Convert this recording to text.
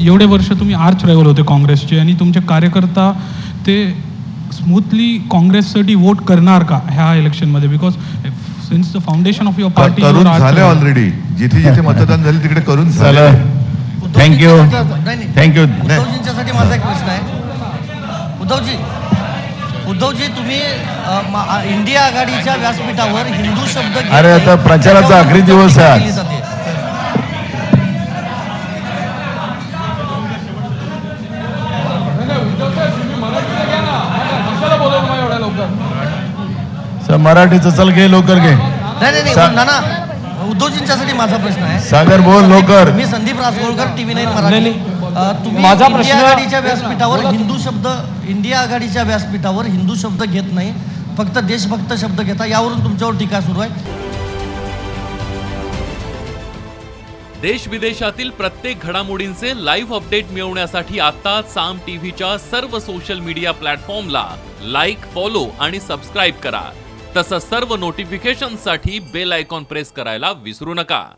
एवढे वर्ष तुम्ही आर्च रायव्हल होते काँग्रेसचे आणि तुमचे कार्यकर्ता ते स्मूथली काँग्रेससाठी वोट करणार का ह्या इलेक्शनमध्ये? Because since the foundation of your party करून झाले ऑलरेडी. जिथे जिथे मतदान झाले तिकडे करून झालं. थँक्यू. थँक्यू. उद्धवजींच्यासाठी माझा एक प्रश्न आहे. उद्धवजी तुम्ही इंडिया आघाडीच्या व्यासपीठावर हिंदू शब्द अरे आता प्रचाराचा आखरी दिवस आहे. मराठीचं चल घे लवकर घे. नाही नाना, उद्धवजींच्यासाठी माझा प्रश्न आहे. सागर बोल लवकर. मी संदीप रासगोळकर, TV9 मराठी. तुम्ही माझा इंडिया प्रश्न आघाडीच्या व्यासपीठावर हिंदू शब्द इंडिया आघाडीच्या व्यासपीठावर हिंदू शब्द घेत नाही, फक्त देशभक्त शब्द घेता, यावरून तुमच्यावर टीका सुरू आहे. देश विदेशातील प्रत्येक घडामोडींचे लाईव्ह अपडेट मिळवण्यासाठी आता साम टीव्हीच्या सर्व सोशल मीडिया प्लॅटफॉर्मला लाईक, फॉलो आणि सबस्क्राईब करा. तसंच सर्व नोटिफिकेशनसाठी बेल आयकॉन प्रेस करायला विसरू नका.